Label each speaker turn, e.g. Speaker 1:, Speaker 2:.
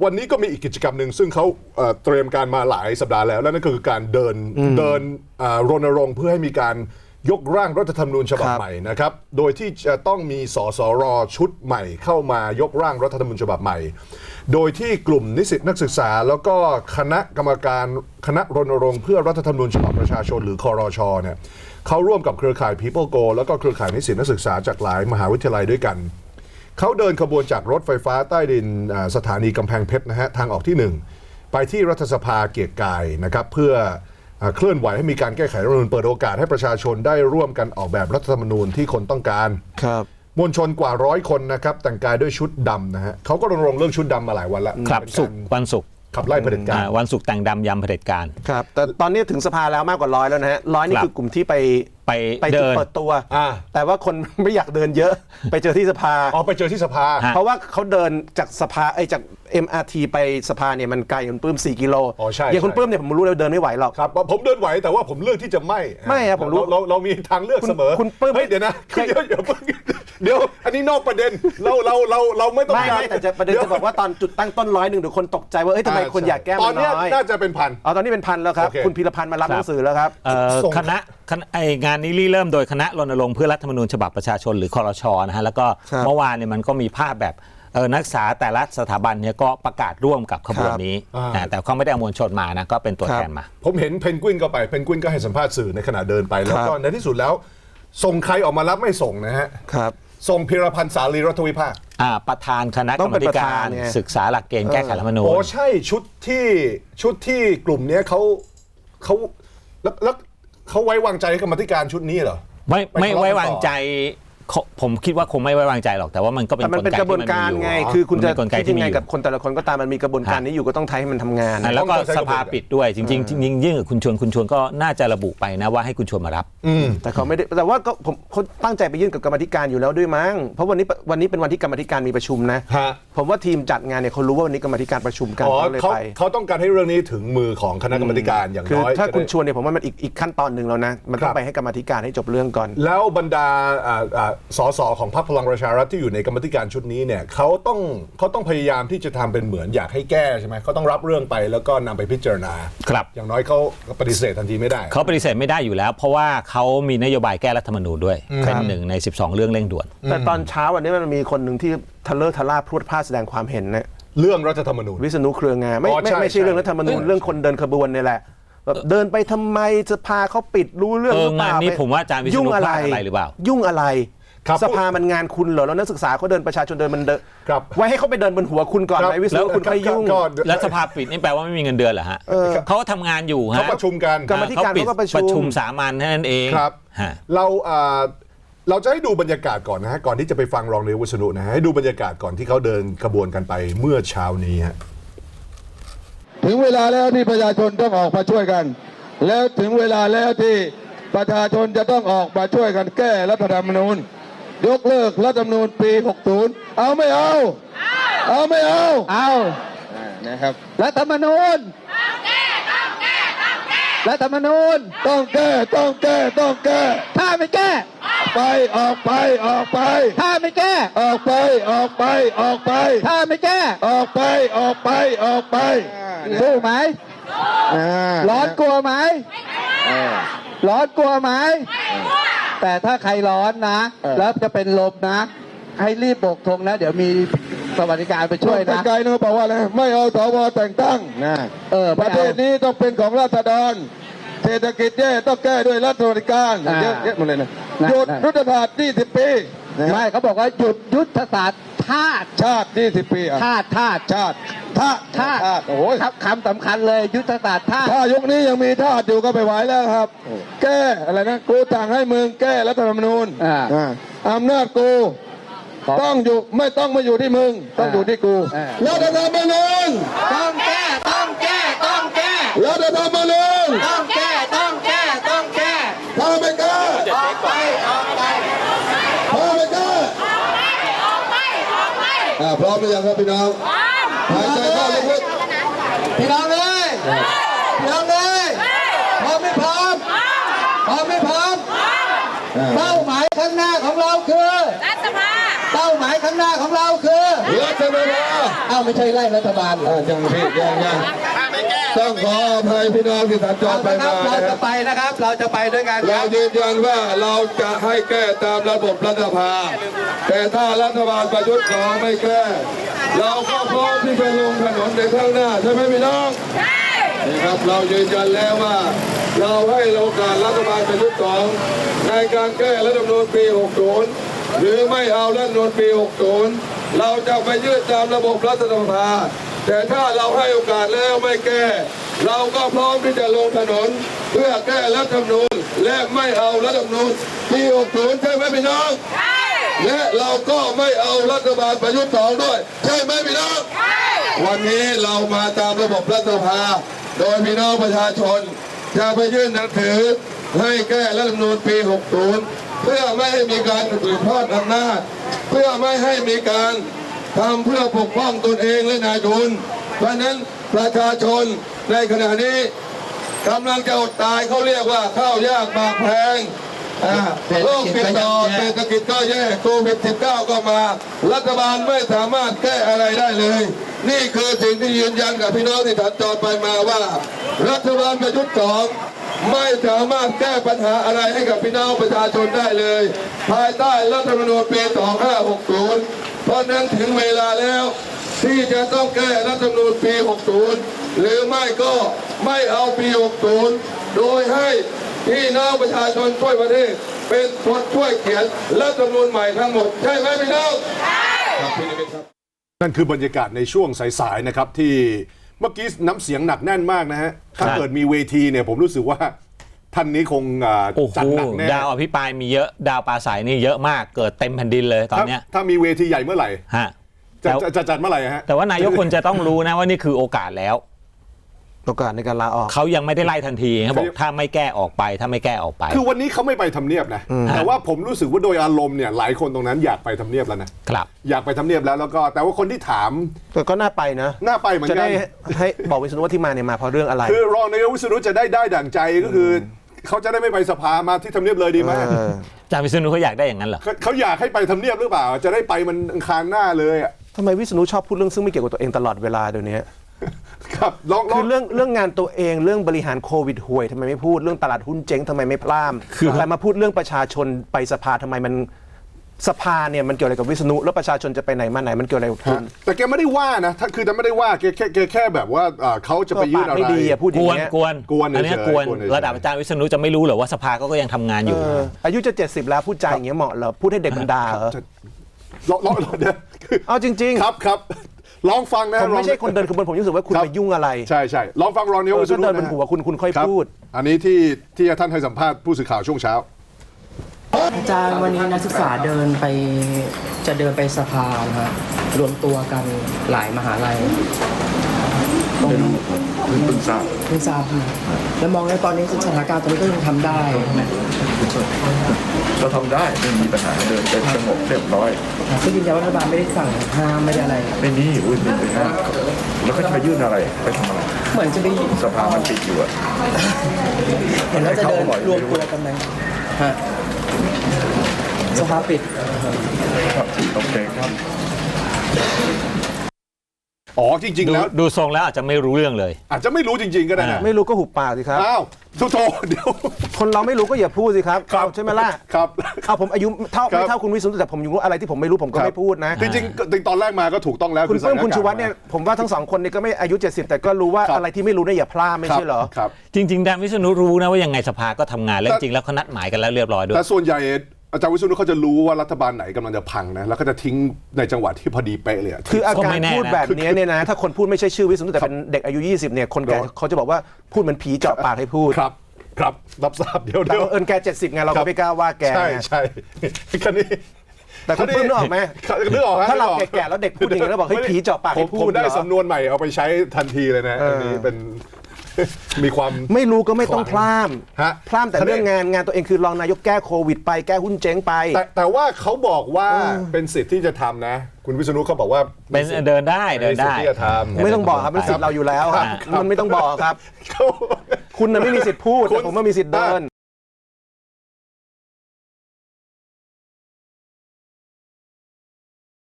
Speaker 1: วันนี้ก็มีอีกกิจกรรมหนึ่งซึ่งเขาเตรียมการมาหลายสัปดาห์แล้วนั่นก็คือการเดินรณรงค์เพื่อให้มีการยกร่างรัฐธรรมนูญฉบับใหม่นะครับโดยที่จะต้องมีสสรชุดใหม่เข้ามายกร่างรัฐธรรมนูญฉบับใหม่โดยที่กลุ่มนิสิตนักศึกษาแล้วก็คณะกรรมการคณะรณรงค์เพื่อรัฐธรรมนูญฉบับประชาชนหรือครช.เนี่ยเขาร่วมกับเครือข่าย People Go แล้วก็เครือข่ายนิสิตนักศึกษาจากหลายมหาวิทยาลัยด้วยกันเขาเดินขบวนจากรถไฟฟ้าใต้ดินสถานีกำแพงเพชรนะฮะทางออกที่1ไปที่รัฐสภาเกียรติกายนะครับเพื่อเคลื่อนไหวให้มีการแก้ไขรัฐธรรมนูญเปิดโอกาสให้ประชาชนได้ร่วมกันออกแบบรัฐธรรมนูญที่คนต้องการ
Speaker 2: ครับ
Speaker 1: มวลชนกว่า100 คนนะครับแต่งกายด้วยชุดดำนะฮะเขาก็รณรงค์เรื่องชุดดำมาหลายวันแล้ว
Speaker 3: ครับวันศุกร์
Speaker 1: ขับไล่เผด็จการ
Speaker 3: วันศุกร์แต่งดำยำเผด็จการ
Speaker 2: ครับแต่ตอนนี้ถึงสภาแล้วมากกว่า100แล้วนะฮะ100นี่คือกลุ่มที่ไปจุดเปิดตัวแต่ว่าคนไม่อยากเดินเยอะไปเจอที่สภา
Speaker 1: ไปเจอที่สภา
Speaker 2: เพราะว่าเขาเดินจากสภาจาก MRT ไปสภาเนี่ยมันไกลคุณปื้ม4 กิโลอย่างคุณปื้มเนี่ยผมรู้เลยเดินไม่ไหวหรอก
Speaker 1: ครับผมเดินไหวแต่ว่าผมเลือกที่จะไม่
Speaker 2: ครับผมรู้
Speaker 1: เรามีทางเลือกเสมอ
Speaker 2: คุณปื้ม
Speaker 1: เดี๋ยวนะเดี๋ยวอันนี้นอกประเด็นเราไม่ต้อง
Speaker 2: การแต่ประเด็นจะบอกว่าตอนจุดตั้งต้น100เดี๋ยวคนตกใจว่าทำไมคนอยากแก้มันน้อย
Speaker 1: ตอนนี้น่าจะเป็นพัน
Speaker 2: ตอนนี้เป็นพันแล้วครับคุณพีรพันธ์มารับหนังสือแล้วครับ
Speaker 3: คณะงานนี้เริ่มโดยคณะรณรงค์เพื่อรัฐธรรมนูญฉบับประชาชนหรือครช.นะฮะแล้วก็เมื่อวานเนี่ยมันก็มีภาพแบบนักศึกษาแต่ละสถาบันเนี่ยก็ประกาศร่วมกับขบวนนี้แต่เขาไม่ได้เอามวลชนมานะก็เป็นตัวแทนมา
Speaker 1: ผมเห็นเพนกวินก็ไปเพนกวินก็ให้สัมภาษณ์สื่อในขณะเดินไปแล้วก็ในที่สุดแล้วส่งใครออกมารับไม่ส่งนะฮะส่งพีรพันธ์สาลีรัฐวิภาค
Speaker 3: ประธานคณะกรรมการศึกษาหลักเกณฑ์แก้ไขรัฐธรรมนูญ
Speaker 1: ใช่ชุดที่กลุ่มนี้แล้วเขาไว้วางใจกรรมธิการชุดนี้เหรอ
Speaker 3: ไม่ไว้วางใจผมคิดว่าคงไม่ไว้วางใจหรอกแต่ว่ามันก็เป็น
Speaker 2: กระบวนการไงคือคุณจะคิดยังไงกับคนแต่ละคนก็ตามมันมีกระบวนการนี้อยู่ก็ต้องให้มันทำงาน
Speaker 3: แล้วก็สภาปิดด้วยจริงๆยิ่งกับคุณชวนก็น่าจะระบุไปนะว่าให้คุณชวนมารับ
Speaker 2: แต่เขาไม่ได้แต่ว่าก็ผมเขาตั้งใจไปยื่นกับกรรมธิการอยู่แล้วด้วยมั้งเพราะวันนี้เป็นวันที่กรรมธิการมีประชุมนะผมว่าทีมจัดงานเนี่ยเขารู้ว่าวันนี้กรรมธิการประชุมกันเขาเลยไป
Speaker 1: เขาต้องการให้เรื่องนี้ถึงมือของคณะกรรมการอย่างน้อย
Speaker 2: ถ้าคุณชวนเนี่ยผมว่ามันอีกขั้นตอนนึงแล้วนะมันต้องไปให้กรรมธิการให้จบเรื่องก่อน
Speaker 1: แล้วบรรดาสสของพรรคพลังประชารัฐที่อยู่ในกรรมธิการชุดนี้เนี่ยเขาต้องพยายามที่จะทำเป็นเหมือนอยากให้แก้ใช่ไหมเขาต้องรับเรื่องไปแล้วก็นำไปพิจารณา
Speaker 3: ครับ
Speaker 1: อย่างน้อยเขาปฏิเสธทันทีไม่ได้
Speaker 3: เขาปฏิเสธไม่ได้อยู่แล้วเพราะว่าเขามีนโยบายแก้รัฐธรรมนูญด้วยเป็นหนึ่งใน12เรื่องเร่งด่วน
Speaker 2: แต่ตอนเช้าวันนี้มันมีคนหนึ่งที่ทะเลาะทะล่าพรวดพลาดแสดงความเห็นนะ
Speaker 1: เรื่องรัฐธรรมนูญ
Speaker 2: วิษณุเครืองามไม่ใช่เรื่องรัฐธรรมนูญเรื่องคนเดินขบวนนี่แหละแบบเดินไปทำไมจะพาเขาปิดรู้เรื่องหรือเปล่างาน
Speaker 3: นี้ผมว่าอาจารย์วิษณุพลาดอะไรหรือเปล่า
Speaker 2: ยุ่งอะไรสภามันงานคุณเหรอแล้วนักศึกษาเขาเดินประชาชนเดินมันไว้ให้เขาไปเดินบนหัวคุณก่อนไหมวิศนุคุณค่อยยุ่ง
Speaker 3: แล้วสภาปิดนี่แปลว่าไม่มีเงินเดือนเหรอฮะเขาทำงานอยู่ฮะ
Speaker 1: เขาประชุมกัน
Speaker 2: กรรมธิการเขาก็
Speaker 3: ประชุมสามัญนั่นเอง
Speaker 1: ครับเราจะให้ดูบรรยากาศก่อนนะฮะก่อนที่จะไปฟังรองนายกวิษณุนะฮะให้ดูบรรยากาศก่อนที่เขาเดินขบวนกันไปเมื่อเช้านี้ฮะ
Speaker 4: ถึงเวลาแล้วที่ประชาชนต้องออกมาช่วยกันแล้วถึงเวลาแล้วที่ประชาชนจะต้องออกมาช่วยกันแก้รัฐธรรมนูญยกเลิกรัฐธรรมนูญปี 60เอาไม่เอาไม่เอานะครับรัฐธรรมนูญรัฐธรรมนูญต้องแก้ถ้าไม่แก้ออกไปถ้าไม่แก้ออกไปถ้าไม่แก้ออกไปสู้ไหมร้อนกลัวไหมแต่ถ้าใครร้อนนะแล้วจะเป็นลมนะให้รีบโบกธงนะเดี๋ยวมีสวัสดิการไปช่วยนะไกลๆนะบอกว่าอะไรไม่เอาสวแต่งตั้งนะประเทศนี้ต้องเป็นของราษฎรเศรษฐกิจแย่ต้องแก้ด้วยรัฐสวัสดิการเยอะหมดเลยนะหยุดยุทธศาสตร์20 ปีไม่เขาบอกว่าหยุดยุทธศาสตร์ชาติ20 ปีชาติโอ้โหคำสำคัญเลยยุทธศาสตร์ถ้ายุคนี้ยังมีชาติอยู่ก็ไปไหวแล้วครับแก้อะไรนะกูสั่งให้มึงแก้รัฐธรรมนูญอำนาจกูต้องอยู่ไม่ต้องมาอยู่ที่มึงต้องอยู่ที่กูรัฐธรรมนูญต้องแก้รัฐธรรมนูญต้องแก้ถ้าไม่แก้ออกไปถ้าไม่แก้พร้อมหรือยังครับพี่น้องหายใจเข้าลึกๆพี่น้องเลยพร้อมไม่พร้อมเป้าหมายข้างหน้าของเราคือรัฐสภาเป้าหมายข้างหน้าของเราคือรัฐบาลอ้าวไม่ใช่ไล่รัฐบาลยังพี่ยังต้องขออภัยพี่น้องที่สัญจรไปมาเราจะไปนะครับเราจะไปด้วยกันเรายืนยันว่าเราจะให้แก้ตามระบบรัฐสภาแต่ถ้ารัฐบาลประยุทธ์2ไม่แก้เราก็พร้อมที่จะลงถนนในข้างหน้าใช่ไหมพี่น้องใช่นะครับเรายืนยันแล้วว่าเราให้โอกาสรัฐบาลประยุทธ์2ในการแก้รัฐธรรมนูญปี 60 หรือไม่เอารัฐธรรมนูญปี 60 เราจะไปยื่นตามระบบรัฐสภาแต่ถ้าเราให้โอกาสแล้วไม่แก้เราก็พร้อมที่จะลงถนนเพื่อแก้รัฐธรรมนูญและไม่เอารัฐธรรมนูญปี 60 ใช่ไหมพี่น้องใช่และเราก็ไม่เอารัฐบาลประยุทธ์2ด้วยใช่ไหมพี่น้องใช่วันนี้เรามาตามระบบรัฐสภาโดยพี่น้องประชาชนจะไปยื่นหนังสือให้แก้รัฐธรรมนูญปี 60 เพื่อไม่ให้มีการสืบทอดอำนาจเพื่อไม่ให้มีการทำเพื่อปกป้องตนเองและนายทุนเพราะนั้นประชาชนในขณะนี้กำลังจะอดตายเขาเรียกว่าข้าวยากหมากแพงโรคติดต่อเศรษฐกิจก็แย่โควิด 19 ก็มารัฐบาลไม่สามารถแก้อะไรได้เลยนี่คือสิ่งที่ยืนยันกับพี่น้องที่สัญจรไปมาว่ารัฐบาลประยุทธ์2ไม่สามารถแก้ปัญหาอะไรให้กับพี่น้องประชาชนได้เลยภายใต้รัฐธรรมนูญปี 2560 เพราะนั้นถึงเวลาแล้วที่จะต้องแก้รัฐธรรมนูญปี 60 หรือไม่ก็ไม่เอาปี 60 โดยให้พี่น้องประชาชนช่วยประเทศเป็นคนช่วยเขียนรัฐธรรมนูญใหม่ทั้งหมดใช่ไหมพี่น้องใช่ครับพี่นิมิตครับ
Speaker 1: นั่นคือบรรยากาศในช่วงสายๆนะครับที่เมื่อกี้น้ำเสียงหนักแน่นมากนะฮะถ้าเกิดมีเวทีเนี่ยผมรู้สึกว่าท่านนี้คงจัดหนักแน่
Speaker 3: ดาวอภิปรายมีเยอะดาวปราศัยนี่เยอะมากเกิดเต็มแผ่นดินเลยตอนเนี้ย
Speaker 1: ถ้ามีเวทีใหญ่เมื่อไหร่
Speaker 3: ฮะ
Speaker 1: จะจัดเมื่อไหร่ฮะ
Speaker 3: แต่ว่านายกควรจะต้องรู้นะว่านี่คือโอกาสแล้ว
Speaker 2: โอกาสในการลาออก
Speaker 3: เขายังไม่ได้ไล่ทันทีเขาบอกถ้าไม่แก้ออกไปถ้าไม่แก้ออกไป
Speaker 1: คือวันนี้เขาไม่ไปทำเนียบนะแต่ว่าผมรู้สึกว่าโดยอารมณ์เนี่ยหลายคนตรงนั้นอยากไปทำเนียบแล้วนะครับอยากไปทำเนียบแล้วก็แต่ว่าคนที่ถาม
Speaker 2: ก็น่าไปนะ
Speaker 1: น่าไปเหมือนกัน
Speaker 2: จะได้ให้บอกวิษณุว่าที่มาเนี่ยมาเพราะเรื่องอะไร
Speaker 1: คือรองนายกวิษณุจะได้ดั่งใจก็คือเขาจะได้ไม่ไปสภามาที่ทำเนียบเลยดีไหม
Speaker 3: อาจารย์วิษณุเขาอยากได้อย่างนั้นเหรอ
Speaker 1: เขาอยากให้ไปทำเนียบหรือเปล่าจะได้ไปมันอังคารหน้าเลยอ่ะ
Speaker 2: ทำไมวิษณุชอบพูดเรื่องซึ่งไม่เกี่ยวกับตัวเองตลอดเวลาเดี๋ยวนี้
Speaker 1: ครับ
Speaker 2: คือเรื่องงานตัวเองเรื่องบริหารโควิดห่วยทำไมไม่พูดเรื่องตลาดหุ้นเจ๊งทำไมไม่พล่ามแต่มาพูดเรื่องประชาชนไปสภาทำไมมันสภาเนี่ยมันเกี่ยวอะไรกับวิษณุแล้วประชาชนจะไปไหนมาไหนมันเกี่ยวอะไรกับคุณ
Speaker 1: แต่แกไม่ได้ว่านะถ้าคือจะไม่ได้ว่าแกแค่แบบว่าเขาจะไปยื่นอะไร
Speaker 2: ไม่ดีพูดอย่างเงี้ย
Speaker 3: กวนอันนี้กวนระดับอาจารย์วิษณุจะไม่รู้เหรอว่าสภาก็ยังทำงานอยู่
Speaker 2: อายุจะ70แล้วพูดใจอย่างเงี้ยเหมาะเหรอพูดให้เด็กมันด่าเหรอเอาจริง
Speaker 1: ๆครับลองฟังนะ
Speaker 2: ผมไม่ใช่คนเดินขบวนผมรู้สึกว่าคุณไปยุ่งอะไร
Speaker 1: ใช่ลองฟังรองนายกวิษณุ
Speaker 2: เดินบนหัวคุณค่อยพูด
Speaker 1: อันนี้ที่ท่านให้สัมภาษณ์ผู้สื่อข่าวช่วงเช้า
Speaker 5: อาจารย์วันนี้นักศึกษาจะเดินไปสภานะฮะรวมตัวกันหลายมหาลัย
Speaker 6: เพิ่งทราบ
Speaker 5: แล้วมองในตอนนี้สถานการณ์ตอนนี้ก็ยังทำได้
Speaker 6: เราทำได้ไม่มีปัญหาเดินเป็นสงบเรียบร้อย
Speaker 5: ก็ยืนยันว่ารัฐบาลไม่ได้สั่งห้ามไม่ได้อะไร
Speaker 6: ไม่มีไม่ไปห้ามแล้วก็จะไปยื่นอะไรไปทำอะไร
Speaker 5: เหมือนจะไป
Speaker 6: สภามันปิดอยู่อะ
Speaker 5: เห็นแล้วจะเดินรวมตัวกันไหมฮะสภาปิด
Speaker 6: ครับโอเคครับ
Speaker 1: อ๋อจริงๆแล้ว
Speaker 3: ดูทรงแล้วอาจจะไม่รู้เรื่องเลย
Speaker 1: อาจจะไม่รู้จริงๆก็ได้นะ
Speaker 2: ไม่รู้ก็หุบปากสิครับ
Speaker 1: อ้าวโทษเดี๋ยว
Speaker 2: คนเราไม่รู้ก็อย่าพูดสิครับใช่ไหมล่ะ
Speaker 1: ครับ
Speaker 2: เอาผมอายุไม่เท่าคุณวิษณุแต่ผมรู้อะไรที่ผมไม่รู้ผมก็ไม่พูดนะ
Speaker 1: จริงๆตอนแรกมาก็ถูกต้องแล้ว
Speaker 2: คุณเพิ่มคุณชูวัฒน์เนี่ยผมว่าทั้งสองคนนี่ก็ไม่อายุ70แต่ก็รู้ว่าอะไรที่ไม่รู้เนี่ยอย่าพลาดไม่ใช่เหรอ
Speaker 3: จริงๆอาจารย์วิษณุรู้นะว่ายังไงสภาก็ทำงานแล้วจริงแล้วเขานัดหมายกันแล้วเรียบร้อยด้วย
Speaker 1: แต่ส่วนใหญ่อาจารย์วิษณุเขาจะรู้ว่ารัฐบาลไหนกำลังจะพังนะแล้วก็จะทิ้งในจังหวะที่พอดีเป๊ะเลย
Speaker 2: คืออาการพูดแบบนี้เนี่ยนะถ้าคนพูดไม่ใช่ชื่อวิษณุแต่เป็นเด็กอายุ20เนี่ยคนแก่เขาจะบอกว่าพูดเหมือนผีเจาะปากให้พูด
Speaker 1: ครับรับทราบเดี๋ยว
Speaker 2: แก70ไงเราก็ไม่กล้าว่าแก
Speaker 1: ใช่คันนี้
Speaker 2: แต่คุณเพิ่มนึกออกไหม
Speaker 1: นึกออก
Speaker 2: ถ้าเราแก่ๆแล้วเด็กพูดอย่างนี้แล้วบอกให้ผีเจาะปากให้พูด
Speaker 1: ผมได้สำนวนใหม่เอาไปใช้ทันทีเลยนะอันนี้เป็นมีความ
Speaker 2: ไม่รู้ก็ไม่ต้องพล่ามแต่เรื่องงานตัวเองคือรองนายกแก้โควิดไปแก้หุ้นเจ๊งไป
Speaker 1: แต่ว่าเขาบอกว่าเป็นสิทธิ์ที่จะทำนะคุณวิษณุเขาบอกว่า
Speaker 3: เป็นเดินได้
Speaker 1: ที่จะทำ
Speaker 2: ไม่ต้องบอกครับเป็นสิทธิ์เราอยู่แล้วมันไม่ต้องบอกครับคุณน่ะไม่มีสิทธิ์พูดแต่ผมว่ามีสิทธิ์เดิน